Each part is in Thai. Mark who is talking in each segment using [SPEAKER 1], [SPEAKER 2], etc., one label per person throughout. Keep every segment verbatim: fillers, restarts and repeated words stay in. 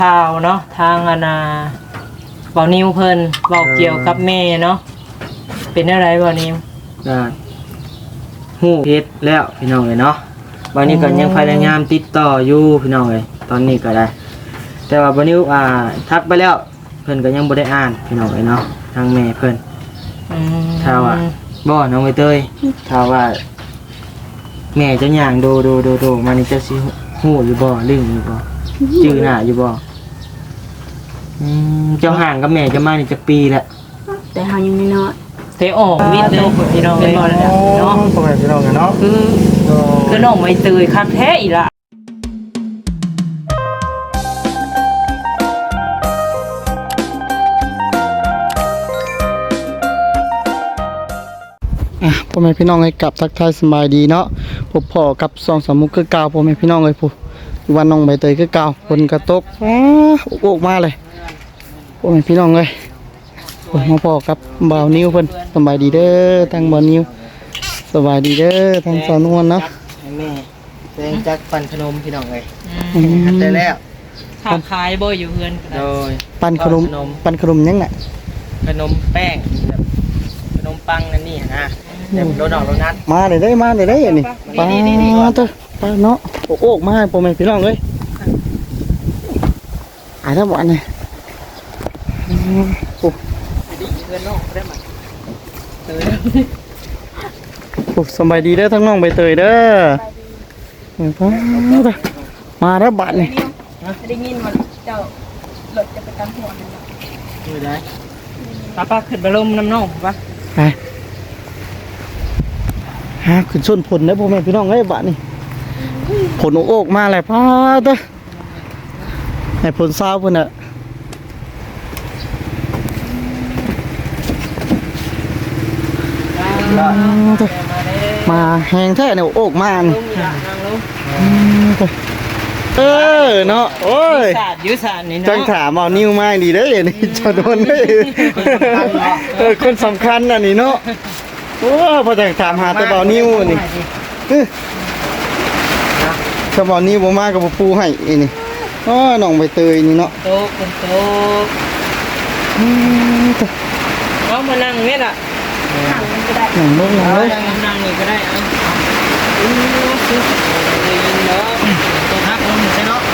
[SPEAKER 1] ข่าวเนาะทางอนาเบานิวเพิ่นเบาเกี่ยวกับแม่เนาะเป็นอะไรเบานิว
[SPEAKER 2] ได้ฮู้เฮ็ดแล้วพี่น้องเอ้ยเนาะวันนี้ก็ยังพยายามติดต่ออยู่พี่น้องเอ้ยตอนนี้ก็ได้แต่ว่าวันนี้อ่าทักไปแล้วเพิ่นก็ยังบ่ได้อ่านพี่น้องเอ้ยเนาะทางแม่เพิ่น
[SPEAKER 1] อืม
[SPEAKER 2] ถ้าว่าบ่น้องใบเตยถ้าว่าแม่จะย่างโดโดโดโดมานี่จะสิฮู้อยู่บ่ลืมอยู่บ่ชื่อหน้าอยู่บ่อืมเจ้าห่างกับแม่จะมานี่จักปีแล้ว
[SPEAKER 3] แต่เฮายังน้อย
[SPEAKER 1] เตออกวิทย์เลยพี่น้องเป็นบ่แล้วเนาะ
[SPEAKER 4] พ่อแม่พี่น้องกันเนาะ
[SPEAKER 1] คือคือน้องใบเตยคักแท้อีละ
[SPEAKER 4] พ่อแม่พี่น้องให้กลับทักทายสบายดีเนาะพบพ่อกับสองสามมุกคือเก่าพ่อแม่พี่น้องเลยผู้วันน้องใบเตยคือเก่าฝนกระตกอ้าโอกมาเลยพ่อแม่พี่น้องเลยมาพ่อกับบ่าวนิ้วเพิ่นสบายดีเด้อทางบ่าวนิ้วสบายดีเด้อทางสาวนวลเนาะ
[SPEAKER 2] ให้แม่แตงจักปั่นขนมพี่น้องเอ้ยหัดได้แล้ว
[SPEAKER 1] ค้าขายบ่อยู่เฮือน
[SPEAKER 2] โดย
[SPEAKER 4] ปั่นขนมปั่นขนมยังน่ะ
[SPEAKER 2] ขนมแป้งแบบขนมปังนั่นนี่นะแบบโดนออกโดนัท
[SPEAKER 4] มาได้ได้มาได้ได้อันนี้ป้าเด้อป้าเนาะโอ้โอกมาให้พ่อแม่พี่น้องเลยอ่าถ้าบ่อันนี้โอ้โอ้สบายดีเด้อทั้งน้องใบเตยเด้อมาแล้วบัดนี่
[SPEAKER 3] ได้ยินว่าเจ้ารถจะไปตามหัวนั่นน่ะ
[SPEAKER 2] คือได้
[SPEAKER 1] ป้าป้าขึ้นไปลมน้ำน้องป่ะ
[SPEAKER 4] ไปฮะขึ้นชนผลนะพ่อแม่พี่น้องเอ้ยบัดนี่ผลโอกมาแล้วป้าเด้อให้ผลเศร้าเพิ่นน่ะมาแหงแท้เนี่ยโอกมานี่เออเนาะโอ้ย
[SPEAKER 1] ยุสานนี่เนาะ
[SPEAKER 4] จังถามเอานิ้วมาดีเด้อนี่จะโดนได้เออคนสำคัญน่ะนี่เนาะโอ้พอจังถามหาแต่เบานิ้วนี่ถ้าเบานิ้วบ่มาก็บ่ปูให้อีนี่อ๋อน้องใบเตยนี่เนาะ
[SPEAKER 1] โตคนโตน้องมานั่งนี่ล่ะ
[SPEAKER 3] นั่งมันก็ได้
[SPEAKER 4] นั่งลงนั่งเลย
[SPEAKER 1] นั่งนี่ก็ได้เอาอือคือได้ยินเนาะตัวทักลงใช่เนาะ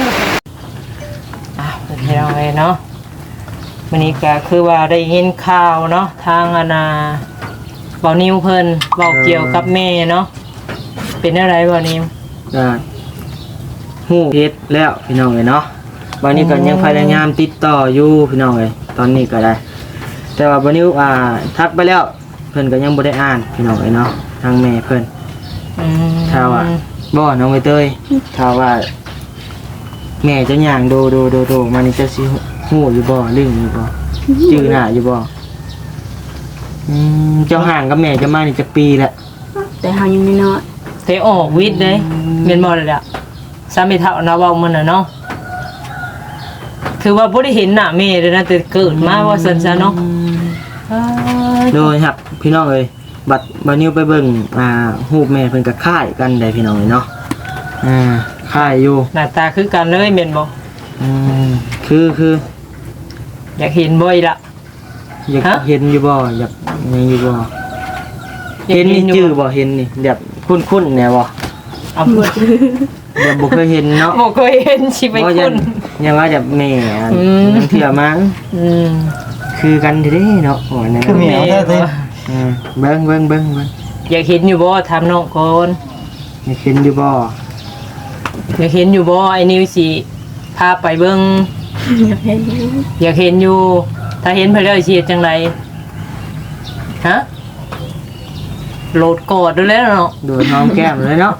[SPEAKER 1] อ่ะเดี๋ยวไว้เนาะวันนี้ก็คือว่าได้ยินข่าวเนาะทางอนาเบานิวเพิ่นเบาเกี่ยวกับแม่เนาะเป็นอะไรเบานิว
[SPEAKER 2] ได้ฮู้เฮ็ดแล้วพี่น้องเอ้ยเนาะวันนี้ก็ยังพยายามติดต่ออยู่พี่น้องเอ้ยตอนนี้ก็ได้แต่ว่าวันนี้อ่าทักไปแล้วเพิ่นก็ยังบ่ได้อ่านพี่น้องเอ้ยเนาะทางแม่เพิ่น
[SPEAKER 1] อืม
[SPEAKER 2] ถ้าว่าบ่น้องใบเตยถ้าว่าแม่จะย่างโดโดโดโดมานี่จะสิฮู้อยู่บ่ลืมอยู่บ่ชื่อหน้าอยู่บ่อืมเจ้าห่างกับแม่จะมานี่จักปีแล้ว
[SPEAKER 3] แต่เฮายังน้อย
[SPEAKER 1] เตออกวิทย์เลยแม่นบ่ล่ะล่ะสามีเฒ่านะเว้ามันน่ะเนาะถือว่าบ่ได้เห็นหน้าแม่เลยนะแต่เกิดมาว่าซั่นซะเนาะ
[SPEAKER 2] โดยครับพี่น้องเอ้ยบัดบัดนิ้วไปเบิ่งอ่ารูปแม่เพิ่นก็คล้ายกันได้พี่น้องเอ้ยเนาะอ่าคล้ายอยู่
[SPEAKER 1] หน้าตาคือกันเลยแม่นบ่
[SPEAKER 2] อืมคือคือ
[SPEAKER 1] อยากเห็นบ่อีล่ะ
[SPEAKER 2] อยากเห็นอยู่บ่อยากยังอยู่บ่เห็นนี่ชื่อบ่เห็นนี่แบบคุ้นๆแน่บ่
[SPEAKER 1] เอาบ่
[SPEAKER 2] เดี๋ยวบ่เคยเห็นเนาะ
[SPEAKER 1] บ่เคยเห็นสิไปคุ้น
[SPEAKER 2] ยังว่าแบบแม่นังเที่ยวมั้ง
[SPEAKER 1] อืม
[SPEAKER 2] คือกันเด้เนาะโอ้ยนั่น
[SPEAKER 4] คือแม่แท้
[SPEAKER 2] ๆอืมเบิ่งเบิ่งเบิ่งเบิ่ง
[SPEAKER 1] อยากเห็นอยู่บ่ถามน้องก่อน
[SPEAKER 2] อยากเห็นอยู่บ่
[SPEAKER 1] อยากเห็นอยู่บ่ไอ้นิวสิพาไปเบิ่ง
[SPEAKER 3] อยากเห็นอยู่
[SPEAKER 1] อยากเห็นอยู่ถ้าเห็นเพิ่นแล้วสิเฮ็ดจังไดฮะโหลดกอดด้วยแล้วเนาะ
[SPEAKER 2] โดนหอมแก้มเลยเนาะ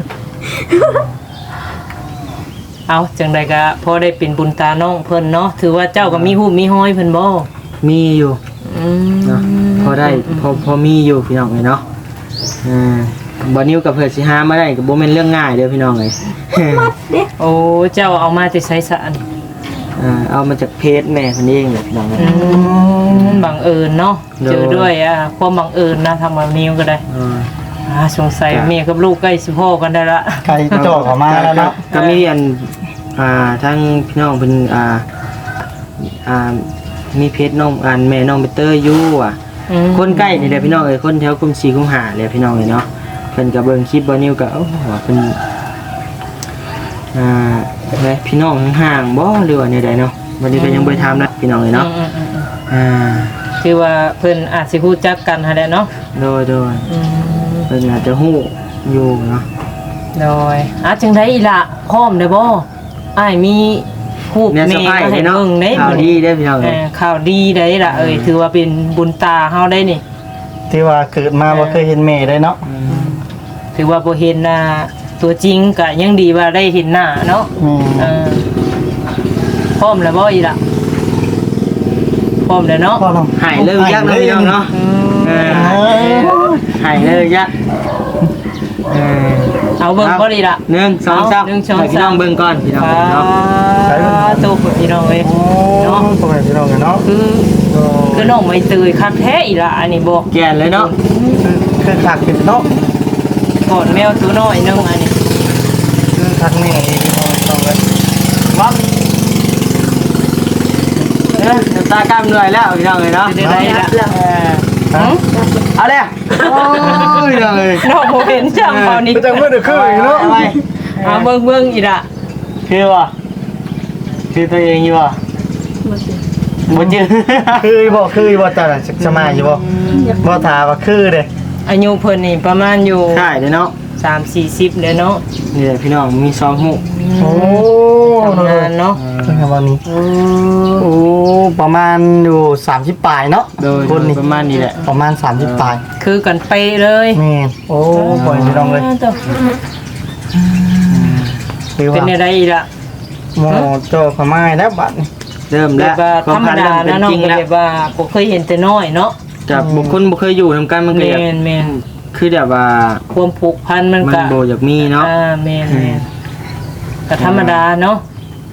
[SPEAKER 1] เอาจังใดก็พอได้เป็นบุญตาน้องเพิ่นเนาะถือว่าเจ้าก็มีหูมีห้อยเพิ่นบ่
[SPEAKER 2] มีอยู่
[SPEAKER 1] อืม
[SPEAKER 2] เนาะพอได้พอพอมีอยู่พี่น้องเอ้ยเนาะอ่าบ่นิ้วกับเพิ่นสิหามาได้ก็บ่แม่นเรื่องง่ายเด้อพี่น้องเอ้ย
[SPEAKER 1] โอ้เจ้าเอามาแต่ไสสะอัน
[SPEAKER 2] อ่าเอามาจากเพจแม่เพิ่นเองเลยพี่น้องเอ้ย
[SPEAKER 1] อืมบังเอิญเนาะเจอด้วยอ่ะความบังเอิญนะทำแบบนี้ก็ได้อ่าอ่าสงสัยแม่กับลูกใกล้สิพ้อกันได้ละ
[SPEAKER 4] ใครจ่อเข้ามาแล้วเนาะ
[SPEAKER 2] ก็มีอันอ่าทั้งพี่น้องเป็นอ่าอ่ามีเพจน้องอ่านแม่น้องเบเตอร์อยู่อ่ะ
[SPEAKER 1] อืม
[SPEAKER 2] คนใกล้นี่แหละพี่น้องเอ้ยคนแถวกรุงศรีกรุงหาเลยพี่น้องเอ้ยเนาะเพิ่นก็เบิ่งคลิปบ่นิวก็โอ้โหเพิ่นอ่าอะไรพี่น้องห่างๆบ่หรือว่าแนวใดเนาะวันนี้ก็ยังบ่ได้ถามนะพี่น้องเอ้ยเนาะ
[SPEAKER 1] อืมอืมอืม
[SPEAKER 2] อ่า
[SPEAKER 1] คือว่าเพิ่นอาจสิฮู้จักกันหั่นแหละเนาะ
[SPEAKER 2] โดยโดย
[SPEAKER 1] อืม
[SPEAKER 2] เพิ่นอาจจะฮู้อยู่เนาะ
[SPEAKER 1] โดยอ่ะจังได๋อีล่ะพร้อมได้บ่อ้ายมีรูป
[SPEAKER 2] แม่
[SPEAKER 1] แม่
[SPEAKER 2] สะพ้าย
[SPEAKER 1] มาให้
[SPEAKER 2] เนาะ
[SPEAKER 1] เบิ่งเด้
[SPEAKER 2] ข่าวดีเด้อพี่น้อง
[SPEAKER 1] เอ
[SPEAKER 2] เอ้ย
[SPEAKER 1] อข่าวดีได้ล่ะเอ้ยถือว่าเป็นบุญตาเฮาได้นี่
[SPEAKER 4] ที่ว่าเกิดมาบ่เคยเห็นแม่ได้เนาะ
[SPEAKER 2] อืม
[SPEAKER 1] ถือว่าบ่เห็นหน้าตัวจริงก็ยังดีว่าได้เห็นหน้าเนาะ
[SPEAKER 4] แม่
[SPEAKER 1] เออพร้อมแล้วบ่อีล่ะพร้อมแล้วเนาะ
[SPEAKER 4] พ่อน้อง
[SPEAKER 2] หายเลยยักษ์เนาะพี่น้องเนาะ
[SPEAKER 1] อืม
[SPEAKER 2] เออหายเลยยักษ์เออ
[SPEAKER 1] เอาเบิ่งบ่ดีล่ะ
[SPEAKER 2] หนึ่งสองสาม
[SPEAKER 1] หนึ่งสอง
[SPEAKER 2] ให้พี่น้อง
[SPEAKER 1] สาม
[SPEAKER 2] เบิ่งก่อนพี่น้อง
[SPEAKER 1] อ่า
[SPEAKER 2] เนาะ
[SPEAKER 1] ตูพี่น้องเอ้ย
[SPEAKER 4] เนาะพ่อแม่พี่น้องกันเนาะ
[SPEAKER 1] คือคือน้องไม่ตื่นคักแท้อีล่ะอันนี้บอก
[SPEAKER 2] แก่นเลยเนาะ
[SPEAKER 4] คือคือคักเป็นเนาะ
[SPEAKER 1] ก่อนแมวตัวน้อยนึงอันนี้
[SPEAKER 4] คือคักแม่พี่น้องต้องเลย
[SPEAKER 2] วับเออน้ำตากล้ามเหนื่อยแล้วพี่น้องเลยเนาะ
[SPEAKER 1] จะได้ละ
[SPEAKER 2] เออ
[SPEAKER 4] ฮะ
[SPEAKER 2] เอาเลยโอ้ยพี่น้องเลย
[SPEAKER 1] น้องบ่เห็นจังเปล่านี่
[SPEAKER 4] จังมือเด้อคือเนาะ
[SPEAKER 2] เอาไป
[SPEAKER 1] เอาเบิ่งเบิ่งอีล่ะ
[SPEAKER 2] คือว่ะคือตัวเองอยู่ว่ะบ่จือ
[SPEAKER 4] คือบ่คือบ่จ้ะสมัยอยู่บ่บ่ถาว่าคือเด้
[SPEAKER 1] อายุเพิ่นนี่ประมาณอยู่
[SPEAKER 2] ใช่เลยเนาะ
[SPEAKER 1] สามสี่สิบเด้อเนาะ
[SPEAKER 2] นี่แหละพี่น้องมีสองหู
[SPEAKER 4] โอ้
[SPEAKER 1] ทำงานเนาะ
[SPEAKER 4] จริงครับวันนี้โอ้ประมาณอยู่สามสิบปลายเนาะ
[SPEAKER 2] โดย
[SPEAKER 4] คนนี้
[SPEAKER 2] ประมาณนี้แหละ
[SPEAKER 4] ประมาณสามสิบปลาย
[SPEAKER 1] คือกันเป๊ะเลย
[SPEAKER 4] แม่นโอ้ปล่อยพี่น้องเลย
[SPEAKER 1] ตัว
[SPEAKER 4] คือ
[SPEAKER 1] เป็น
[SPEAKER 4] ว่า
[SPEAKER 1] อะไรอีล่ะ
[SPEAKER 4] โมโจขมายแล้วบัดนี้
[SPEAKER 2] เริ่ม
[SPEAKER 1] แบ
[SPEAKER 2] แล้ว
[SPEAKER 1] บว่า
[SPEAKER 2] คว
[SPEAKER 1] ธรรม
[SPEAKER 2] พั
[SPEAKER 1] ดา
[SPEAKER 2] เริ่
[SPEAKER 1] นะ
[SPEAKER 2] ม
[SPEAKER 1] น้อง
[SPEAKER 2] เป็นจริง
[SPEAKER 1] ก็
[SPEAKER 2] แล้ว
[SPEAKER 1] แบบว่าบ่เคยเห็นแต่น้อยเนาะ
[SPEAKER 2] จากบุคคลบ่เคยอยู่นำกันมันก็
[SPEAKER 1] แม่
[SPEAKER 2] อยาก
[SPEAKER 1] นแม่น
[SPEAKER 2] คือแบบว่า
[SPEAKER 1] ความผูกพันมัน
[SPEAKER 2] มัน
[SPEAKER 1] ก็
[SPEAKER 2] โบอยากมีเนาะ
[SPEAKER 1] อ่าแม่นแม่นก็ธรรมดาเนาะ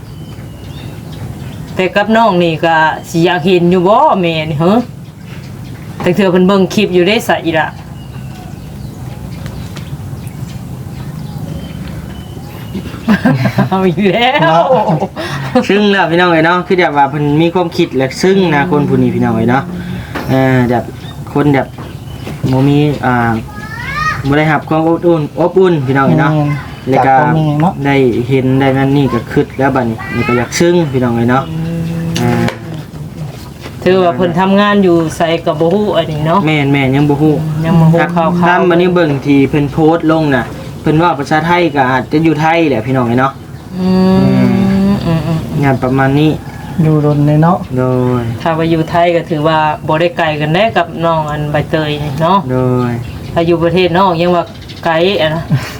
[SPEAKER 1] แต่กับน้องนี่ก็สิอยากเห็นอยู่บ่แม่นี่เหรอแต่เธอเพิ่นเบิ่งคลิปอยู่ได้ซะอีล่ะ เอาอีกแล้ว
[SPEAKER 2] ซึ่งแล้วพี่น้องเอ้ยเนาะคือแบบว่าเพิ่นมีความคิดและซึ่งนะคนผู้นี้พี่น้องเอ้ยเนาะเออแบบคนแบบบ่มีอ่าบ่ได้รับความอบอุ่นอบอุ่นพี่น้องเอ้ยเนาะแล้วก็
[SPEAKER 4] จากตรงนี้เนาะ
[SPEAKER 2] ได้เห็นได้นั่นนี่ก็คิดแล้วบัดนี้นี่ก็อยากซึ้งพี่น้องเอ้ยเนาะอ่า
[SPEAKER 1] ถือว่าเพิ่นทำงานอยู่ไสก็บ่ฮู้อันนี้เนาะ
[SPEAKER 2] แม่นแม่นยังบ่ฮู้
[SPEAKER 1] ยังบ่ฮู้ข่าวๆ
[SPEAKER 2] ตามบัดนี้เบิ่งที่เพิ่นโพสต์ลงน่ะเพิ่นว่าภาษาไทยก็อาจจะอยู่ไทยแหละพี่น้องเอ้ยเนาะ
[SPEAKER 1] อืมอืมอืม
[SPEAKER 2] งานประมาณนี้
[SPEAKER 4] อยู่รนเลยเนาะ
[SPEAKER 2] โดย
[SPEAKER 1] ถ้าว่าอยู่ไทยก็ถือว่าบ่ได้ไกลกันแน่กับน้องอันใบเตยนี่เนาะ
[SPEAKER 2] โดย
[SPEAKER 1] ถ้าอยู่ประเทศนอกยังว่าไกลอะนะ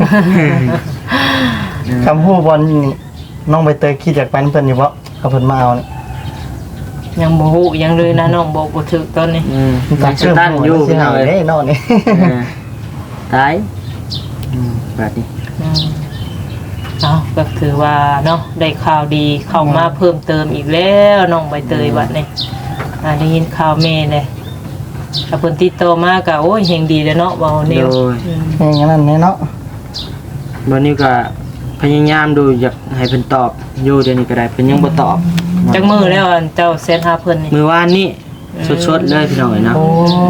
[SPEAKER 4] คำพูดบอลนี่น้องใบเตยคิดอยากไปนำเพิ่นอยู่บ่เอาเพิ่นมาเอานี่
[SPEAKER 1] ยังบ่ฮู้ยังเลยนะน้องบอกบ่ถูกตอนนี้
[SPEAKER 2] อืมมันสตันอยู่
[SPEAKER 4] พี่
[SPEAKER 2] พี่น้อง
[SPEAKER 4] เอ้
[SPEAKER 2] เอ้
[SPEAKER 4] ย
[SPEAKER 2] ย
[SPEAKER 4] เนาะนี่
[SPEAKER 2] เออตายอืมแบบนี้
[SPEAKER 1] อืมเอาก็ถือว่าเนาะได้ข่าวดีเข้ามาเพิ่มเติมอีกแล้วน้องใบเตยบัดนี้อ่าได้ยินข่าวแม่เลยถ้าเพิ่นติดต่อมาก็โอ้ยเฮงดีแล้วเนาะเว้าแนว
[SPEAKER 2] โดย
[SPEAKER 1] อืม
[SPEAKER 4] อย่างนั้นแน่เนาะ
[SPEAKER 2] วันนี้ก็พยายามดูอยากให้เพิ่นตอบอยู่เดี๋ยวนี้ก็ได้เพิ่นยังบ่ตอบ
[SPEAKER 1] จักมือแล้วอันเจ้าเซตหาเพิ่นนี่
[SPEAKER 2] มือวานนี้สดๆเลยพี่น้องเอ้ยเนาะ
[SPEAKER 4] โอ้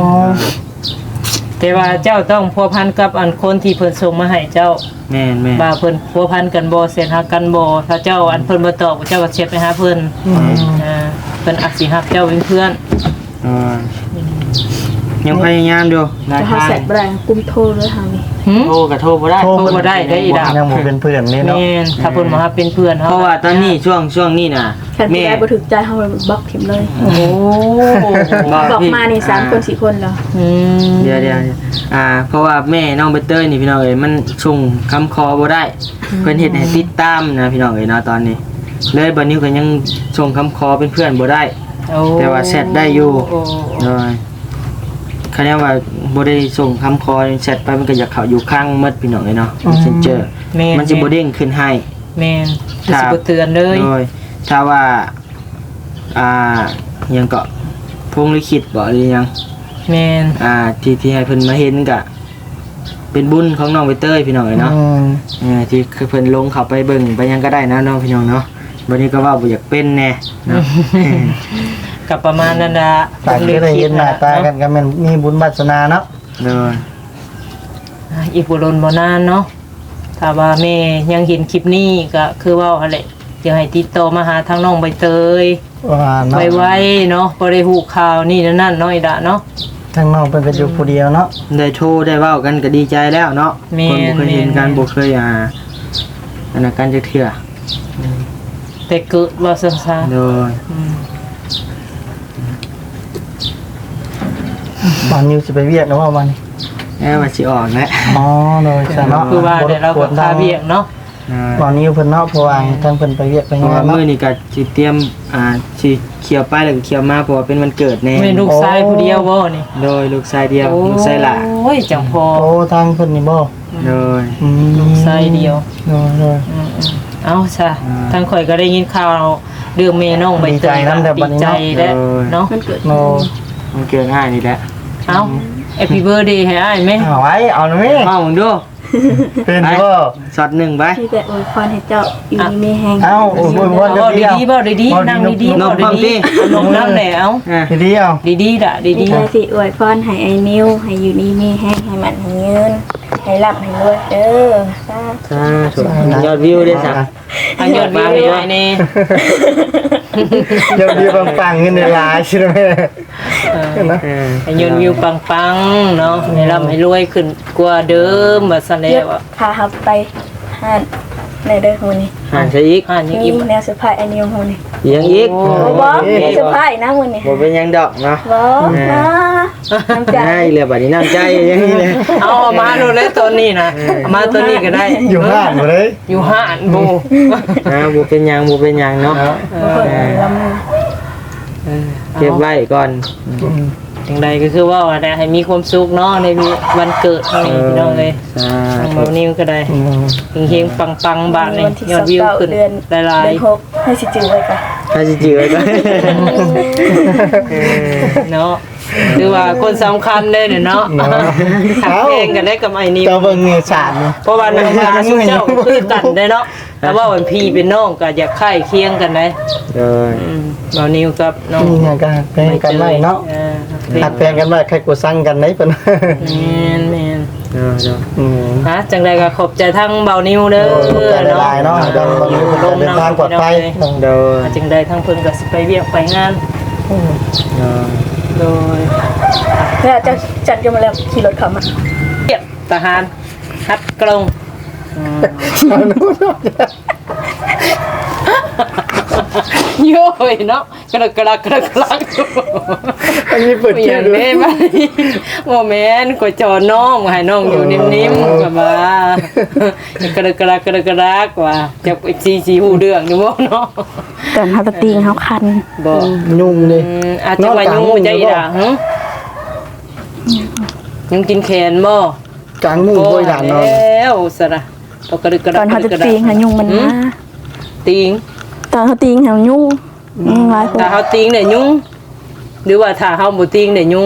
[SPEAKER 1] แต่ว่าเจ้าต้องพัวพันกับอันคนที่เพิ่นส่งมาให้เจ้า
[SPEAKER 2] แม่นแม่น
[SPEAKER 1] ว่าเพิ่นพัวพันกันบ่เสร็จฮักกันบ่ถ้าเจ้าอันเพิ่นบ่ตอบเจ้าก็เช็ดไปหาเพิ่นอ่าเพิ่นอาจสิฮักเจ้าเป็นเพื่อน
[SPEAKER 2] เออยังพยายามอยู่หลาย
[SPEAKER 3] จะหา
[SPEAKER 2] ทาง
[SPEAKER 3] แสบแรงกุมโทรเลยทางนี้
[SPEAKER 1] หึ
[SPEAKER 2] โทรก็โทรบ่ได้
[SPEAKER 1] โทรบ่ได้ได้อีดา
[SPEAKER 4] ยังบ่เป็นเพื่อนนี่เนาะ
[SPEAKER 1] แม่นถ้าเพิ่นมาฮักเป็นเพื่อนเฮา
[SPEAKER 2] เพราะว่าตอนนี้ช่วงช่วงนี้น่ะ
[SPEAKER 3] แค่ที่
[SPEAKER 2] แม่
[SPEAKER 3] ได้บ่ถึกใจเฮาเลยบล็อกทิมเลย
[SPEAKER 1] โอ้โห
[SPEAKER 3] บอกมานี่สามคนสี่คนแล้ว
[SPEAKER 1] อืม
[SPEAKER 2] เดี๋ยวเดี๋ยวอ่า เพราะว่าแม่น้องใบเตยนี่พี่น้องเอ้ยมันส่งคำคอบ่ได้ เพิ่นเฮ็ดให้ติดตามนะพี่น้องเอ้ยเนาะตอนนี้ เลยบัดนี้ก็ยังส่งคำคอเป็นเพื่อนบ่ได้
[SPEAKER 1] โอ้
[SPEAKER 2] แต่ว่าแชทได้อยู่
[SPEAKER 1] โอ้
[SPEAKER 2] โดยคะแนนว่าบ่ได้ส่งคำคอแชทไปมันก็อยากเข้าอยู่ข้างหมดพี่น้องเอ้ยเนาะ Messenger
[SPEAKER 1] แม่น
[SPEAKER 2] มันสิบ่เด้งขึ้นให้
[SPEAKER 1] แม่นมันสิบ่เตือนเลย
[SPEAKER 2] โดยถ้าว่าอ่ายังก็พงลิขิตบ่หรือยัง
[SPEAKER 1] แม่น
[SPEAKER 2] อ่าที่ที่ให้เพิ่นมาเห็นก็เป็นบุญของน้องใบเตยพี่น้องเอ้ยเนาะ
[SPEAKER 4] อืม
[SPEAKER 2] เออที่คือเพิ่นลงเข้าไปเบิ่งไปหยังก็ได้นะน้องพี่น้องเนาะวันนี้ก็ว่าบ่อยากเป็นแน่เนาะ
[SPEAKER 1] กับประมาณนั้นละ
[SPEAKER 4] ต่างก็ได้เห็นหน้าตากันก็แม่นมีบุญวาสนาเนาะ
[SPEAKER 2] เด้อ
[SPEAKER 1] อีกบุรุษบ่นานเนาะถ้าว่าแม่ยังเห็นคลิปนี้ก็คือว่าอะไรอยากให้ติดต่อมาหาทางน้องใบเตย
[SPEAKER 4] ว่าเนาะ
[SPEAKER 1] ไวๆเนาะบ่ได้ฮู้ข่าวนี่นั่นน้อยดะเนาะ
[SPEAKER 4] ทางน้องเพิ่นก็อยู่ผู้เดียวเนาะ
[SPEAKER 2] ได้โทรได้เว้ากันก็ดีใจแล้วเนาะ
[SPEAKER 1] แม่
[SPEAKER 2] คนบ่เคยเห็นกัน
[SPEAKER 1] แม่
[SPEAKER 2] บ่เคยอ่าอันนั้นกันจักเทื่อ
[SPEAKER 1] แต่เกิดว่าซั่นซะ
[SPEAKER 2] เด้อ
[SPEAKER 1] อืม
[SPEAKER 4] บ้านนิวสิไปเวียกแล้วว่าวันนี้
[SPEAKER 2] แม่ว่าสิออกแล้ว
[SPEAKER 4] อ๋อโดยซะเนาะ
[SPEAKER 1] คือว่าได้เราก็พาเวียกเนาะ
[SPEAKER 4] บ้านนิวเพิ่นเนาะเพราะว่าทางเพิ่นไปเวียกไป
[SPEAKER 2] เพ
[SPEAKER 4] งา
[SPEAKER 2] ราะว่าน
[SPEAKER 4] เนาะ
[SPEAKER 2] มื้อนี้ก็สิเตรียมอ่าสิเขียวไปแล้วก็เขียวมาเพราะว่าเป็นวันเกิดแน่
[SPEAKER 1] แม่ลูกชายผู้เดียวบ่นี่
[SPEAKER 2] โดยลูกชายเดียวลูกชายหล่า
[SPEAKER 1] โอ้ยจังพอ
[SPEAKER 4] โอ้ทางเพิ่นนี่บ่
[SPEAKER 2] โดย
[SPEAKER 4] อืม
[SPEAKER 1] ลูกชายเดียว
[SPEAKER 4] โดยโดย
[SPEAKER 1] อืมๆเอาซะ
[SPEAKER 2] อ่า
[SPEAKER 1] ทางข่อยก็ได้ยินข่าวเรื่องแม่น้องใบเตย
[SPEAKER 4] ดีใจนำแต่บัด
[SPEAKER 1] ดี
[SPEAKER 4] นี้
[SPEAKER 1] ใจ
[SPEAKER 4] เนาะ
[SPEAKER 1] แล้วเนาะ
[SPEAKER 3] มันเกิด
[SPEAKER 4] โน
[SPEAKER 2] มันเกิดง่ายนี่แหละ
[SPEAKER 1] เอา Happy Birthday ให้อ้ายไหม
[SPEAKER 4] เอาไว้เอาหน่อยแม่
[SPEAKER 2] เอามึงดู
[SPEAKER 4] เป็นบ่
[SPEAKER 2] ช็อตหนึ่งไป
[SPEAKER 3] ที่แต่อวยพรให้เจ้าอยู่ดีมีแฮง
[SPEAKER 4] เอ้าโอ้โหบ่
[SPEAKER 1] เอา
[SPEAKER 4] เดียว
[SPEAKER 1] ดีๆเบาดีๆนั่งดีๆ
[SPEAKER 2] น
[SPEAKER 1] เบาม
[SPEAKER 2] ความ
[SPEAKER 1] ดี
[SPEAKER 2] ดี
[SPEAKER 1] ๆลงน้ำแล้ว
[SPEAKER 2] อ่ะ
[SPEAKER 4] ดีๆเอา
[SPEAKER 1] ดีๆด่ะดี
[SPEAKER 3] ดีสิอวยพรให้ไอ้นิวให้อยู่ดีมีแฮงให้มันให้เงินให้รับให้รวยเด้อสาธุ
[SPEAKER 2] สาธุยอดวิวด้วยจ้ะ
[SPEAKER 1] ๆอันยอดวิวให้อ้ายนี่
[SPEAKER 4] ยอดวิวปังๆเงินในหลายใช่ไหม
[SPEAKER 1] เออ
[SPEAKER 4] นะ
[SPEAKER 2] เออ
[SPEAKER 1] ให้ยอดวิวปังๆเนาะให้ร่ำให้รวยขึ้นกว่าเดิมว่าซั่นแล้
[SPEAKER 3] เดี๋ยว
[SPEAKER 1] วอะ
[SPEAKER 3] พาเฮาไปห้านในเด้อฮู้นี่
[SPEAKER 2] หันใช่อีก
[SPEAKER 1] อ่านยัง
[SPEAKER 3] มี
[SPEAKER 1] อีก
[SPEAKER 3] แนวเซอร์ไพรส์ไอ้นิวฮู้นี่
[SPEAKER 2] ยังอีก
[SPEAKER 1] โอ้
[SPEAKER 3] บ่บ่มีเซอร์ไพรส์นะมื้อนี้
[SPEAKER 2] บ่เป็นหยังดอกเนาะ
[SPEAKER 3] บ่มาน้ำใจ
[SPEAKER 2] ง่ายเลยบัดนี้น้ำใจอย่างนี้เลย
[SPEAKER 1] เอาเอามาดูเลยตัวนี้นะเอามาตัวนี้ก็ได้
[SPEAKER 4] อยู่ห้านหมดเลย
[SPEAKER 1] อยู่ห้านบู
[SPEAKER 2] นะบ่เป็นหยังบ่เป็นหยังเนาะ
[SPEAKER 3] บ่เพิ่นลำ
[SPEAKER 1] เออ
[SPEAKER 2] เก็บไว้ก่อน
[SPEAKER 1] อย่างใดก็คือว่าอะไรให้มีความสุขเนาะในวันเกิดของนี่พี่น้องเลย
[SPEAKER 2] สา
[SPEAKER 1] ทาง
[SPEAKER 2] ธุ
[SPEAKER 1] เบานิ้วก็ได้เฮงๆปังๆบาทนี่
[SPEAKER 3] วันที่
[SPEAKER 1] ยอดวิวขึ้น
[SPEAKER 3] เดือน
[SPEAKER 1] หลาย
[SPEAKER 3] เดือนหกให้สิจื้อไว้ก่อน
[SPEAKER 2] ถ้าสิจือไว้ก่อน
[SPEAKER 1] ๆเนาะคือว่าคนสำคัญเลยเนี่ยเนาะหักเพลงกันได้กับไอ้นิ้ว
[SPEAKER 4] เจ้าเบิ่งเงินสาดนี่
[SPEAKER 1] เพราะว่าหน้าตาสุเจ้าคือกันได้เนาะแต่ว่าวันพี่เป็นน้องก็อยากไข่เคียงกันได้
[SPEAKER 2] โดย
[SPEAKER 1] อืมเบานิ้วกับน้อง
[SPEAKER 4] นี่ไงกันแพงกันไว้เนาะ
[SPEAKER 1] ออ
[SPEAKER 4] หักแพงกันไว้ใครกูสั่งกันไหนเพิ่น
[SPEAKER 1] แม่นแม่น
[SPEAKER 2] โดยโดย
[SPEAKER 4] อืม
[SPEAKER 1] ฮะจังใดก็ขอบใจทั้งเบานิ้วเด้อ
[SPEAKER 4] ขอบใจหลายๆเนาะดังเบานิ้วเดินทางปลอดภัย
[SPEAKER 2] โดย
[SPEAKER 1] จังใดทั้งเพิ่นก็สิไปเวียกไปงาน
[SPEAKER 2] โดย
[SPEAKER 1] โดย
[SPEAKER 3] แล้วจะจัดกันมาแล้วขี่รถเข้ามา
[SPEAKER 1] เวียกทหารฮัดกรงอืมโย่ยเนาะกระกระกระกระ
[SPEAKER 4] อันนี้เปิด
[SPEAKER 1] อ
[SPEAKER 4] เที่ย
[SPEAKER 1] ย่าง
[SPEAKER 4] ด้ว
[SPEAKER 1] นี้
[SPEAKER 4] ย
[SPEAKER 1] มาโมเมนต์ก็จอน้องให้น้องอยู่นิ่มๆกับว่ากระกระกระกระกว่าจะไปซีซีหูเดืองดูบ่เนาะ
[SPEAKER 3] ตอนเฮาตะติงเฮาคัน
[SPEAKER 1] บ่
[SPEAKER 4] ยุ่งเลย
[SPEAKER 1] อืมอาจจะว่ายุ่งใจอีด่าหึยุ่งกินแขนบ่
[SPEAKER 4] กลางมุ้งโวยด่านนอน
[SPEAKER 1] แล้วสระตกกระดึกกระ
[SPEAKER 3] ตอนเฮาตะติงหายุงมันมา
[SPEAKER 1] ติง
[SPEAKER 3] ตอนเฮาติงหายุงอืมหลายคน
[SPEAKER 1] ถ้าเฮาติงเนี่ยยุ่งหรือว่าถ้าเฮาบ่ติงเนี่ยยุ่ง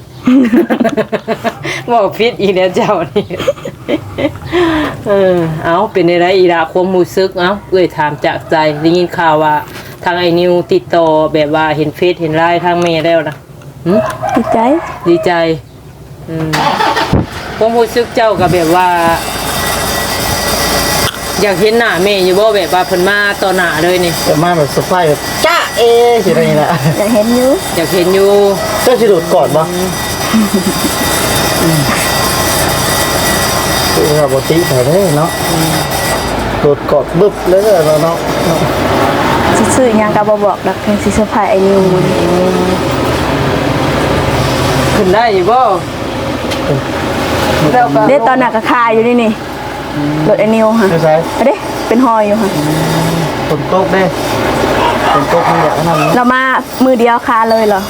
[SPEAKER 1] บอกผิดอีแล้วเจ้านี่เออเอาเป็นอะไรอีล่ะความรู้สึกเอ้าเอ้ยถามจากใจได้ยินข่าวว่าทางไอ้นิวติดต่อแบบว่าเห็นเฟซเห็นไลน์ทางเมย์แล้วนะหึ
[SPEAKER 3] ดีใจ
[SPEAKER 1] ดีใจอืมผมรู้สึกเจ้ากับแบบว่า อยากเห็นหน้าแม่อยู่บ่แบบว่าเพิ่นมาต่อหน้าเลยนี่
[SPEAKER 4] แต่มาแบบสไฟแบบจ้าเอสิอะไรนี่แหละ
[SPEAKER 3] อยากเห็นอยู่
[SPEAKER 1] อยากเห็นอยู่
[SPEAKER 4] เจ้าสิโดดกอดบ่คือแบบปกติแต่เด้เนาะโดดกอดบึ๊บเลยเนาะเนาะ
[SPEAKER 3] สิซื้อหยังก็บ่บอกดอกเพียงสิเซอร์ไพรส์ไอ้นิวมื้อนี้
[SPEAKER 1] ขึ้นได้อยู่บ่
[SPEAKER 3] เด้ตอนน่ะก็คาอยู่นี่นี่รถไอ้นิวค่ะ
[SPEAKER 4] ไม่ใช่
[SPEAKER 3] เด้เป็นหอยอยู่ค่ะ
[SPEAKER 4] ฝนตกเด้ฝนตกมันแบบนั้นนะ
[SPEAKER 3] เรามามือเดียวคาเลยเหรอ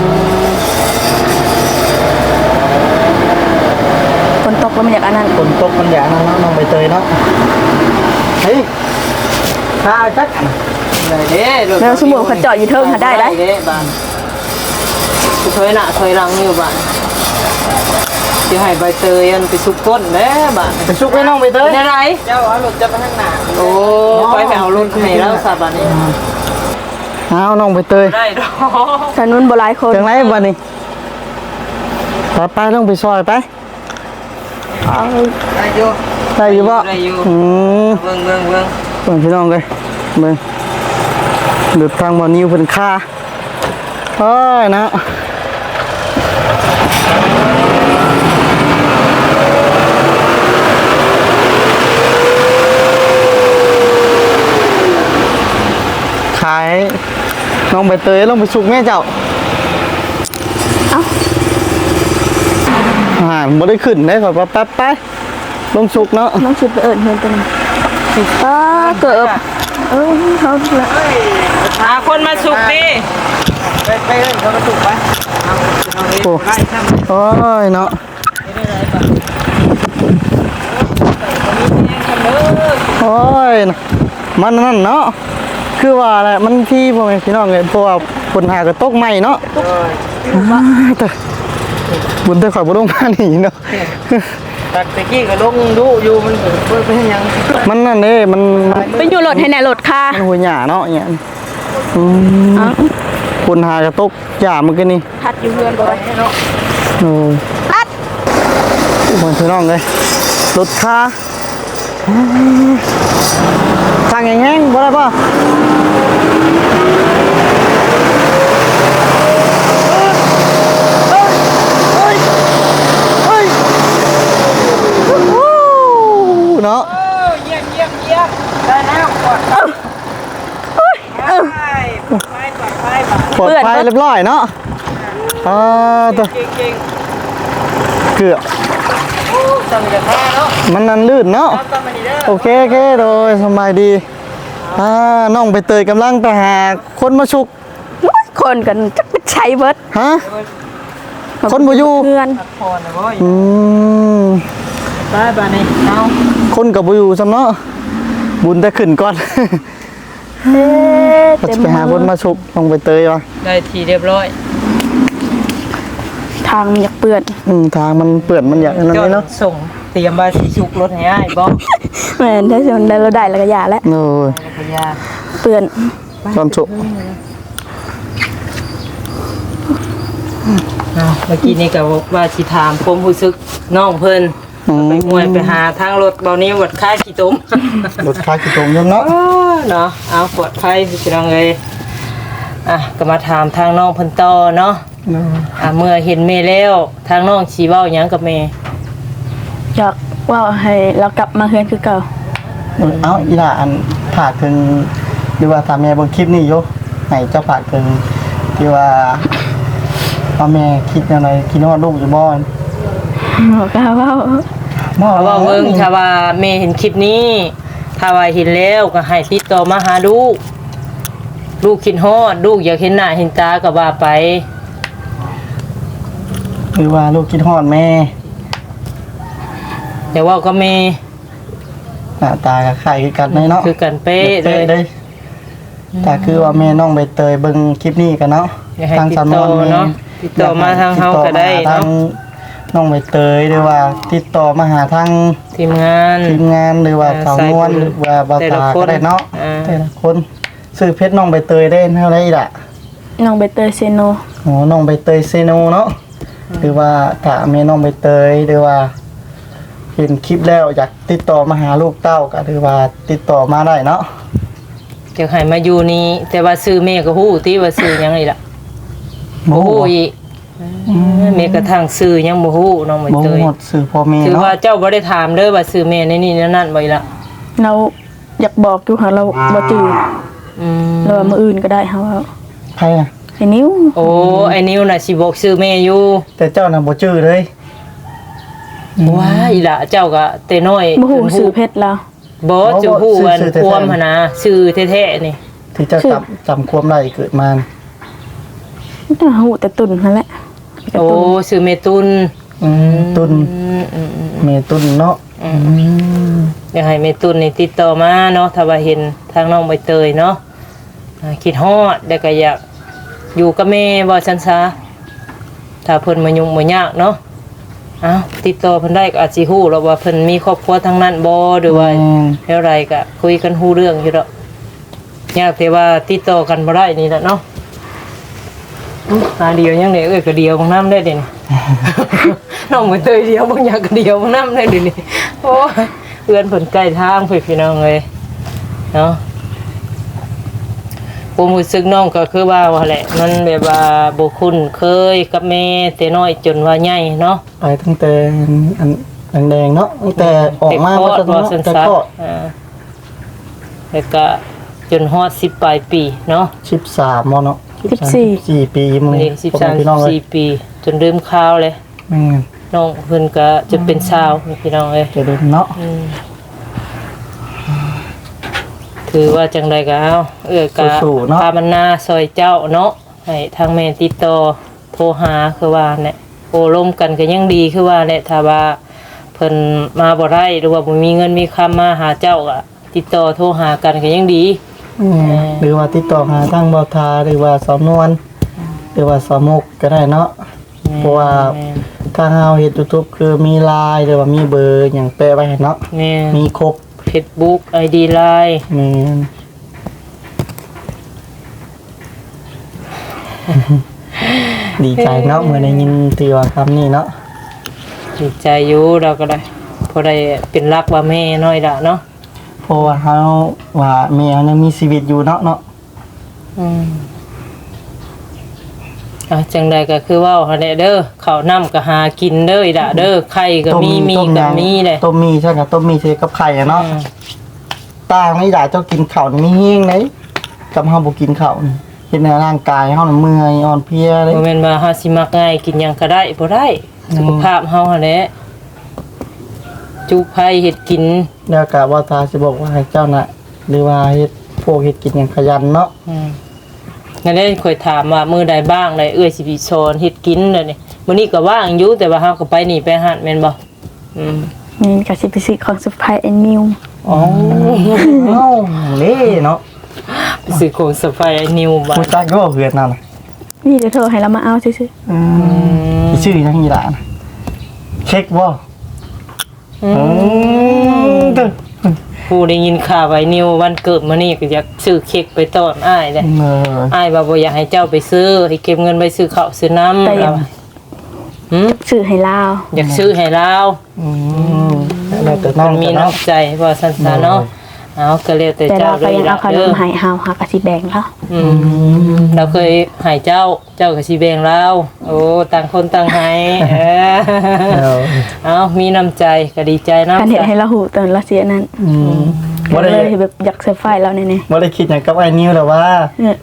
[SPEAKER 3] ฝนตกแล้วมันอยากอันนั้น
[SPEAKER 4] ฝนตกมันอย่างนั้นเนาะน้องใบเตยเนาะเฮ้ยข้าจัก
[SPEAKER 1] ได้เด้
[SPEAKER 3] แล้วสมมุติเขาเจาะอยู่เทิงหาได้ได้
[SPEAKER 1] เด้บ้านถอยหน้าถอยหลังอยู่บ้านสิให้ใบเตยอันไปสุกก้นแม่บาด
[SPEAKER 4] ไปชุกไว้น้องไปเตย
[SPEAKER 1] เป็นอะไร
[SPEAKER 2] เจ้าเอารถจะไปข้างหน้า
[SPEAKER 1] โอ้ไปไปเอารถให้แล้วซะบัดนี้
[SPEAKER 4] เอาน้องไปเตย
[SPEAKER 1] ได้ดอก
[SPEAKER 3] ถนนบ่หลายคน
[SPEAKER 4] จังไรวันนี้ไปไปต้องไปซอยไป
[SPEAKER 3] เอา
[SPEAKER 2] ได้อยู่
[SPEAKER 4] ได้อยู่บ่
[SPEAKER 1] ได้อยู่
[SPEAKER 4] อืม
[SPEAKER 1] เบิ่งเบิ่งเบิ่ง
[SPEAKER 4] เบิ่งพี่น้องเลยเบิ่งหลุดทางบ่อนิ้วเพิ่นค่าโอ้ยนะขายน้องใบเตยลงไปสุกแม่เจ้า
[SPEAKER 3] เอ้า
[SPEAKER 4] อ่าบ่ได้ขึ้นได้ขอแป๊บๆไปลงสุกเนาะ
[SPEAKER 3] น้องสิไปเอิ้นเพิ่นตัวนึงอ้าเกือบเอ้ยเขาละ
[SPEAKER 1] หาคนมาสุกดิ
[SPEAKER 2] ไปไปเล่นเขาก็ถูกไปเอาเอาเอง
[SPEAKER 4] โอ้
[SPEAKER 2] ไปทำ
[SPEAKER 4] โอ้ยเนาะโอ้ยมันนั่นเนาะคือว่าแหละมันที่พ่อแม่พี่น้องเลยเพราะว่าคนหากระตกใหม่เนาะแต่บุญแต่ข่อยบ่ลงมานี่เนาะ
[SPEAKER 2] ตักตะกี้ก็ลงดูอยู่มันเปิดไปยัง
[SPEAKER 4] มันนั่นเด้มันมัน
[SPEAKER 3] ไปอยู่รถให้แน่รถค่ะ
[SPEAKER 4] มันหัวหญ้าเนาะเนี่ยอืม
[SPEAKER 3] เอ้า
[SPEAKER 4] คนหากระตกหญ้ามันก็นี่
[SPEAKER 3] ทัดอยู่เพื่อนบ่ได้เนาะ
[SPEAKER 4] โอ้
[SPEAKER 3] ทัด
[SPEAKER 4] พ่อพี่น้องเลยรถค่าสั่งแห้งๆบ่ได้ป่ะเนาะ
[SPEAKER 2] เยี่ยมเยี่ยมเยี่ยมได้แล้วกดไปไปไปไป
[SPEAKER 4] ปลอดภัยเรียบร้อยเนาะอ่าตัว
[SPEAKER 2] เก่งเก่ง
[SPEAKER 4] เกือบ
[SPEAKER 2] จำจะแพ้เนาะ
[SPEAKER 4] มันนั่นลื่นเนาะ
[SPEAKER 2] จำมาดีเด้อ
[SPEAKER 4] โอเคโอเคโดยสบายดีอ่าน้องไปเตยกำลังไปหาคนมาชุก
[SPEAKER 3] คนกันจักไปใช้เบิด
[SPEAKER 4] ฮะ คนบ่อยู่
[SPEAKER 3] เพื่อน
[SPEAKER 2] พอนะเว้ย
[SPEAKER 4] อืม
[SPEAKER 1] ไปบัดนี้เอา
[SPEAKER 4] คนกับบ่อยู่ซ้ำเนาะบุญแต่ขึ้นก่อน
[SPEAKER 3] เอ๊ะ
[SPEAKER 4] ก็
[SPEAKER 3] เต็ม
[SPEAKER 4] จะไปหาคนมาชุกน้องไปเตยวะ
[SPEAKER 1] ได้ทีเรียบร้อย
[SPEAKER 3] ทางมันอยากเปื้อน
[SPEAKER 4] อืมทางมันเปื่อนมันอย่างนั้น
[SPEAKER 1] จอ
[SPEAKER 4] เลย
[SPEAKER 1] ด
[SPEAKER 4] เนาะ
[SPEAKER 1] ส่งเตรียมมาสิสุกรถให้อ้ายบ่
[SPEAKER 3] แม่นถ้าสิมันได้เราได้แล้วก็อย่าแล้ว
[SPEAKER 4] โอ้ย
[SPEAKER 1] พยา
[SPEAKER 3] เปื้อน
[SPEAKER 4] ตอนชุก
[SPEAKER 1] เอาเมื่อกี้นี่ก็ว่าสิถามความรู้สึกน้องเพิ่น
[SPEAKER 4] อืม
[SPEAKER 1] ไปห่วยไปหาทางรถเบานี้วัดค่ากี่ตุ้ม
[SPEAKER 4] รถคากี่ตรงยมเนาะ
[SPEAKER 1] เนาะเอาปลอดภัยพี่น้องเลยอ่ะก็มาถามทางน้องเพิ่นต่อเนาะอ่ะเมื่อเห็นเมย์แล้วทางน้องชีเว้าหยังกับเมย์
[SPEAKER 3] อยากว่าให้เรากลับมาเฮือนคือเก่า
[SPEAKER 4] เอ้าอีหล่าอันผากถึงหรือว่าถามแม่เบนคลิปนี้อยู่ให้เจ้าผากถึงที่ว่าพ่อแม่คิดยังไงคิดว่าลูกอยู่บ้าน
[SPEAKER 3] บอกว่าว่า
[SPEAKER 4] บ่
[SPEAKER 1] เพราะว่าเบิ่งถ้าว่าเมย์เห็นคลิปนี้ ถ้าว่าเห็นแล้วก็ให้ติดต่อมาหาลูกลูกคิดฮอดลูกอยากเห็นหน้าเห็นตาก็ว่าไป
[SPEAKER 4] หรือว่าลูกคิดฮอดแม่
[SPEAKER 1] แต่ว่าก็เมย์
[SPEAKER 4] หน้าตาก็คล้ายคือกันเลยเนาะ
[SPEAKER 1] คือกันเป๊ะเลย
[SPEAKER 4] เลยแต่คือว่าแม่น้องใบเตยเบิ่งคลิปนี้กันเนาะ
[SPEAKER 1] อยากให้
[SPEAKER 4] ทาง
[SPEAKER 1] ติด
[SPEAKER 4] สำน
[SPEAKER 1] ต่อ
[SPEAKER 4] วน
[SPEAKER 1] เนาะติดต่อมาทางเฮาก็ได้
[SPEAKER 4] ทาง
[SPEAKER 1] เนาะ
[SPEAKER 4] น้องใบเตยหรือว่าติดต่อมาหาทาง
[SPEAKER 1] ทีมงาน
[SPEAKER 4] ทีมงานหรือว่า
[SPEAKER 1] อ่า
[SPEAKER 4] สาวนวล
[SPEAKER 1] สายบุญ
[SPEAKER 4] หรือว่าบา
[SPEAKER 1] แต่
[SPEAKER 4] ตา
[SPEAKER 1] ละคน
[SPEAKER 4] ก็ได้เนาะ
[SPEAKER 1] อ่า
[SPEAKER 4] แต่ละคนซื้อเพชรน้องใบเตยได้เท่าไหร่ล่ะ
[SPEAKER 3] น้องใบเตยเซโน
[SPEAKER 4] โอ้น้องใบเตยเซโนเนาะหรือว่าถ้าแม่น้องใบเตยหรือว่า เห็นคลิปแล้วอยากติดต่อมาหาลูกเต้าก็หรือว่าติดต่อมาได้เนาะ
[SPEAKER 1] จะให้มาอยู่นี่แต่ว่าซื้อเมย์ก็ฮู้ที่ว่าซื้อหยังนี่ล่ะบ่ฮู้อีกเมย์กระทั่งซื้อยังบ่ฮู้น้องใบ
[SPEAKER 4] บ่
[SPEAKER 1] เตย
[SPEAKER 4] หมดสื่อพ่อแม่
[SPEAKER 1] ถือ
[SPEAKER 4] เนาะ
[SPEAKER 1] ว่าเจ้าบ่ได้ถามเด้อว่าซื้อเมย์ในนี่นั่นๆบ่อีกล่ะ
[SPEAKER 3] เราอยากบอกอยู่ค่ะเราบ่จืด
[SPEAKER 1] อืม
[SPEAKER 3] เราว่ามื้ออื่นก็ได้เฮาว่า
[SPEAKER 4] ใครอ่ะ
[SPEAKER 3] ไอ้นิ้ว
[SPEAKER 1] โอ้ไอ้นิวน่ะสิบอกซื้อเมย์อยู่
[SPEAKER 4] แต่เจ้าน่ะบ่ชื่อเลย
[SPEAKER 1] ว้าอีหล่ะเจ้าก็แต่น้อย
[SPEAKER 3] บ่ฮู้ชื่อเพชรเรา
[SPEAKER 1] บ่จะฮู้วันความหั่นนะซื้อแท้ๆนี่
[SPEAKER 4] ที่เจ้าจำจำความได้เกิดมา
[SPEAKER 3] แต่ฮู้แต่ตุ่นนั่นแหละแต่
[SPEAKER 1] โอ้
[SPEAKER 3] ตุ่น
[SPEAKER 1] ซื้อเมตุน
[SPEAKER 4] อืมตุน
[SPEAKER 1] อืมอืมอืม
[SPEAKER 4] เมตุนเนาะอืม
[SPEAKER 1] อยากให้เมตุนนี่ติดต่อมาเนาะถ้าว่าเห็นทางน้องใบเตยเนาะอ่าคิดฮอดแล้วก็อยากอยู่กับแม่บ่ซั่นซะถ้าเพิ่นมายุ่งบ่ยากเนาะอ้าวติดต่อเพิ่นได้ก็อาจสิฮู้แล้วว่าเพิ่นมีครอบครัวทั้งนั้นบ่หรือว่าแนวใดก็คุยกันฮู้เรื่องอยู่ดอกยากแต่ว่าติดต่อกันบ่ได้นี่แหละเนาะอื้อหาเดียวยังได้เอ้ยก็เดียวบางน้ำได้เด่น น้องบ่เตยเดียวบางอย่างก็เดียวบางน้ำได้เด่นนี่โอ้ยเอื้อนเพิ่นใกล้ทางเพิ่นพี่น้องเอ้ยเนาะผมรู้สึกน้องก็คือว่าว่าแหละมันแบบว่าบ่คุ้นเคยกับแม่แต่น้อยจนว่าใหญ่เนาะ
[SPEAKER 4] ไปตั้งแต่อันแดงๆเนาะตั้งแต่ออกมา
[SPEAKER 1] แต่
[SPEAKER 4] ก็
[SPEAKER 1] คลอด
[SPEAKER 4] จะ
[SPEAKER 1] ว่าสัน
[SPEAKER 4] แต่
[SPEAKER 1] สั
[SPEAKER 4] ก็
[SPEAKER 1] อ่าแล้วก็จนฮอดสิบปลายปีเนาะ
[SPEAKER 4] สิบสามมเนาะ
[SPEAKER 3] สิบสี่
[SPEAKER 4] สี่ปีมึง
[SPEAKER 1] นี่สิบสาม
[SPEAKER 4] พี่น้องเลย
[SPEAKER 1] สี่ปี จนลืมข้าวเลย
[SPEAKER 4] แม่น
[SPEAKER 1] น้องเพิ่นก็จะเป็นชาวนี่พี่น้องเอ้ย
[SPEAKER 4] จะเดินเนาะ
[SPEAKER 1] อืมถือว่าจังใดก็เอาเอ้ยก็
[SPEAKER 4] สู้ๆเนาะ
[SPEAKER 1] พามันนาซอยเจ้าเนาะให้ทางแม่ติดต่อโทรหาคือว่าเนี่ยโอ้ร่วมกันก็ยังดีคือว่าเนี่ยถ้าว่าเพิ่นมาบ่ได้หรือว่าบ่มีเงินมีคำมาหาเจ้าก็ติดต่อโทรหากันก็ยังดี
[SPEAKER 4] อืมหรือว่าติดต่อหาทางบอทาหรือว่าสอนวน หรือว่าสอมุกก็ได้เนาะเพราะว่าทางเฮาเฮ็ด YouTube คือมีไลน์หรือว่ามีเบอร์หยังแปะไว้ให้เนาะ
[SPEAKER 1] แม่
[SPEAKER 4] มีครบ
[SPEAKER 1] Facebook ไอ ดี Line
[SPEAKER 4] แม่น ดีใจเนาะเมื่อได้ยินที่ว่าคำนี้เนาะ
[SPEAKER 1] ดีใจอยู่เราก็ได้พอได้เป็นรักว่าแม่น้อยละเนาะ
[SPEAKER 4] เพราะว่าเฮาว่าแม่เฮายังมีชีวิตอยู่เนาะเนาะ
[SPEAKER 1] อืมอ่ะจังใดก็คือว่าหั่นแหละเด้อข้าวน้ำก็หากินเด้ออีละเด้อไข่ก็มีมี
[SPEAKER 4] ต้
[SPEAKER 1] ก็
[SPEAKER 4] หยัง
[SPEAKER 1] มีเลย
[SPEAKER 4] ต้มมีใช่กับต้มมีใช่กับไข่อะเนาะ
[SPEAKER 1] อืม
[SPEAKER 4] ต่างนี่ได้เจ้ากินข้าวนี่มีแห้งไหนกับเฮาบ่กินข้าวนี่เฮ็ดให้ร่างกายเฮาน่ะเมื่อยอ่อนเพลียเลย
[SPEAKER 1] บ่แม่นว่าเฮาสิมักง่ายกินหยังก็ได้บ่ได้สุขภาพเฮาหั่นแหละจุไผเฮ็ดกิน
[SPEAKER 4] แล้วก็ว่าตาสิบอกว่าให้เจ้าน่ะหรือว่าเฮ็ดพวกเฮ็ดกินหยังขยันเนาะ
[SPEAKER 1] อืมงั้นได้ค่อยถามว่ามื้อใดบ้างได้เอ้ยสิไปสอนเฮ็ดกินเด้อนี่มื้อนี้ก็ว่างอยู่แต่ว่าเฮาก็ไปนี่ไปหัดแม่นบ่อืม
[SPEAKER 3] นี่ก็สิไปซื้อของเซอร์ไพรส์ไอ้นิว
[SPEAKER 4] อ๋อเอ้าเล่เนาะ
[SPEAKER 1] ไปซื้อของสไปไอ้นิวบ้า
[SPEAKER 4] ผู้
[SPEAKER 1] น
[SPEAKER 4] จักก็เฮือนนั่นน่ะ
[SPEAKER 3] นี่เดี๋ยวโทรให้เรามาเอาซื่อ
[SPEAKER 4] อืมชื่อหยังอีหล่ะน่ะเช็คบ่
[SPEAKER 1] อื
[SPEAKER 4] อื
[SPEAKER 1] ม
[SPEAKER 4] มเด้อ
[SPEAKER 1] ผู้ได้ยินข่าวไอ้นิววันเกิดมานี่ก็อยากซื้อเค้กไปต้อนอ้ายเลย
[SPEAKER 4] เออ
[SPEAKER 1] อ้ายว่าบ่อยากให้เจ้าไปซื้อให้เก็บเงินไปซื้อข้าวซื้อน้ำเราหืม
[SPEAKER 3] ๆซื้อให้เรา
[SPEAKER 1] อยากซื้อให้เรา
[SPEAKER 4] อืมแล้วแต่น้
[SPEAKER 1] มั
[SPEAKER 4] อง
[SPEAKER 1] นมี
[SPEAKER 4] แต่เนาะ
[SPEAKER 1] น้ำใจว่าสันสาเนาะเอาก็แล้วแต่
[SPEAKER 3] แต่
[SPEAKER 1] เจ้า
[SPEAKER 3] เรา
[SPEAKER 1] เล
[SPEAKER 3] ก็
[SPEAKER 1] ย
[SPEAKER 3] ยัง
[SPEAKER 1] ล่ะ
[SPEAKER 3] เอาขน
[SPEAKER 1] เด้อ
[SPEAKER 3] มให้เฮาเฮาก็สิแบ่งเขา
[SPEAKER 1] อืมเราเคยให้เจ้าเจ้าก็สิแบ่งเราโอ้ต่างคนต่างให้เออ
[SPEAKER 4] เออ
[SPEAKER 1] เอามีน้ำใจก็ดีใจนำ
[SPEAKER 3] การเฮ็ดให้เราหูตอนเราเสียนั้น
[SPEAKER 4] อืม
[SPEAKER 3] ก็
[SPEAKER 4] บ่ได้
[SPEAKER 3] เลยแบบอยากเซอร์ไพรส์เราแน่
[SPEAKER 4] บ่ได้คิดหยังกับไอ้นิวหรอกว่า
[SPEAKER 3] ๆเออ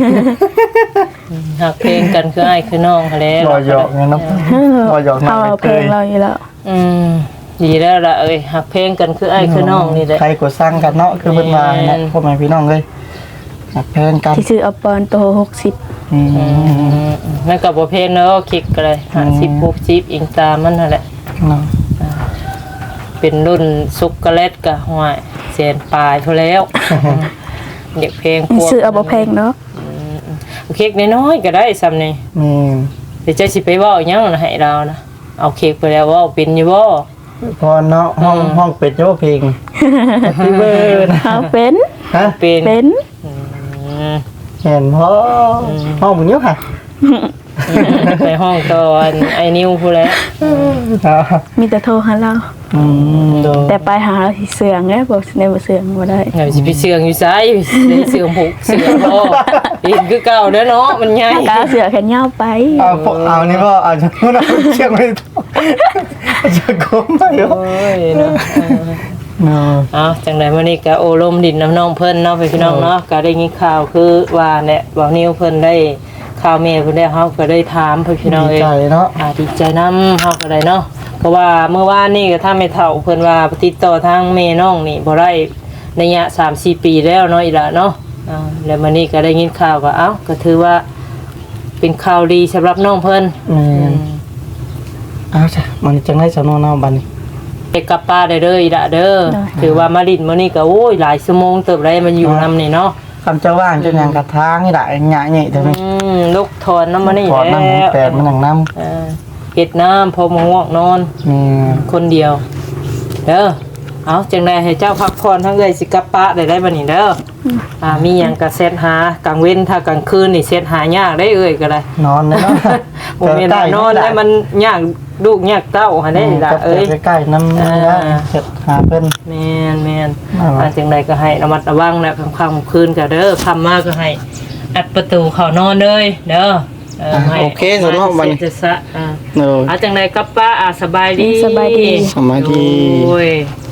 [SPEAKER 1] หักเพลงกันคืออ้ายคือน้องเขาแล้ว
[SPEAKER 4] รอหยอกไงเนาะรอหยอกน้อ
[SPEAKER 3] เอา
[SPEAKER 4] ง
[SPEAKER 3] เพลงเราอยู่แล้ว
[SPEAKER 1] อืมดีแล้วล่ะเอ้ยหักเพลงกันคืออ้ายคือน้องนี่แหละ
[SPEAKER 4] ใครก็สร้างกันเนาะคือเพิ่นว่า
[SPEAKER 1] แม่
[SPEAKER 4] เนาะ
[SPEAKER 1] น
[SPEAKER 4] พ่อแม่พี่น้องเลยหักแพงกัน
[SPEAKER 3] ที่ซื้อเอาปอนโตหกสิบ
[SPEAKER 4] อืม
[SPEAKER 1] อืมมันก็บ่เพลงเนาะคลิกก็เลยห้าสิบ หกสิบอิงตามมันนั่นแหละ
[SPEAKER 4] เนาะ
[SPEAKER 1] เป็นรุ่นซุกโกแลตก็ห้วยแสนปลายเท่าแล้วเด็กเพลงพวก
[SPEAKER 3] ซื้อเอาบ่แพงเนาะ
[SPEAKER 1] เค้กน้อยๆก็ได้ซ้ำนี่
[SPEAKER 4] นี่
[SPEAKER 1] เดี๋ยวจะสิไปเว้าหยังนะให้เรานะเอาเค้กไปแล้วเว้าเป็นอยู่บ่
[SPEAKER 4] พอเนาะห้อง
[SPEAKER 1] อืม
[SPEAKER 4] ห้องเป็ดโยเพลงพี่เบิร์ด
[SPEAKER 3] เอาเป็น
[SPEAKER 4] ฮะ
[SPEAKER 1] เป็น
[SPEAKER 3] เป็น
[SPEAKER 1] อืม
[SPEAKER 4] เห็นพ่อห้องมึงเยอะค่ะ
[SPEAKER 1] ไปห้องตอนไอ้นิวพู้นแหล้ว
[SPEAKER 3] มีแต่โทรหาเรา
[SPEAKER 4] อืมโด
[SPEAKER 3] แต่ไปหาเราที่เสืองเด้บ่ในบ่เสืองบ่ได้
[SPEAKER 1] เดี๋ยวสิไปเสืองอยู่ไสได้เสืองผูกเสืองบ่อีกคือเก่าเด้อเนาะมันใหญ่
[SPEAKER 3] กาเสือแขนยาวไป
[SPEAKER 4] เอาพวกเอานี่ก็เอาจะพูดเอาเชือกไม่ต้องจะโค้งไปเหรอ
[SPEAKER 1] โอ้ยเนาะ
[SPEAKER 4] เนาะ
[SPEAKER 1] เอาจังได๋มื้อนี้ก็โอลมดินน้ำน้องเพิ่นเนาะพี่น้องเนาะก็ได้ยินข่าวคือว่าเนี่ยบ่าวนิวเพิ่นได้ข่าวแม่เพิ่นได้เฮาก็ได้ถามพี่น้อง
[SPEAKER 4] ดี
[SPEAKER 1] เอ้ย
[SPEAKER 4] ใจเนาะ
[SPEAKER 1] อ่าดีใจนำเฮาก็ได้เนาะเพราะว่าเมื่อวานนี่ก็ถ้าไม่เฒ่าเพิ่นว่าติดต่อทางแม่น้องนี่บ่ได้ระยะ สามสี่ ปีแล้วเนาะอีหล่ะเนาะอ่าแล้วมื้อนี้ก็ได้ยินข่าวว่าเอ้าก็ถือว่าเป็นข่าวดีสำหรับน้องเพิ่น
[SPEAKER 4] อืมเอาจ้ะมันจังได้สำนวนเอาบัดนี้
[SPEAKER 1] ไปกลับป้าได้เด้ออีหล่ะเด้อถือว่ามาดินมื้อนี้ก็โอ้ยหลายชั่วโมงเติบได้มันอยู่นำนี่เนาะ
[SPEAKER 4] คำเจ้าว่างจะยังกระทางนี่แหละหยะนี่เดี๋ยว
[SPEAKER 1] อื
[SPEAKER 4] นี้
[SPEAKER 1] มลูกถอนน้ำมันนี่
[SPEAKER 4] ถอด
[SPEAKER 1] แล้
[SPEAKER 4] น้ำ
[SPEAKER 1] ว
[SPEAKER 4] แปดมันหนังน้
[SPEAKER 1] เออเฮ็ดน้ำพอมาง่วงนอน
[SPEAKER 4] แม่น
[SPEAKER 1] คนเดียวเด้อเอาจังไดให้เจ้าพักผ่อนทั้งเอ้ยสิกลับปะได้ได้บัดนี้เด้ออ่ามีหยังก็เซตหากลางเว้นถ้ากลางคืนนี่เซตหายากได้เอ้ยก็ได้
[SPEAKER 4] นอนเลยเนาะ
[SPEAKER 1] บ่แม่นว่านอนแล้วมันยากลูกยากเต้าหั่นเด้ล่ะเอ้ย
[SPEAKER 4] ใกล้ๆน้ำ
[SPEAKER 1] อ่า
[SPEAKER 4] เฮ็ดหาเพิ่น
[SPEAKER 1] แม่นแม่น
[SPEAKER 4] นั่นล่ะ
[SPEAKER 1] อ่าจังไดก็ให้ระมัดระวังแล้วค่ำๆคืนก็เด้อค่ำมาก็ให้อัดประตูเข้านอนเลยเด้อเออให้
[SPEAKER 4] โอเคสำหรับวันนี้
[SPEAKER 1] เสร็จซะอ่า
[SPEAKER 4] เออ
[SPEAKER 1] เอาจังไดกับป้าอ่าสบายดี
[SPEAKER 3] สบายดี
[SPEAKER 4] สบายดี
[SPEAKER 1] โอ้ย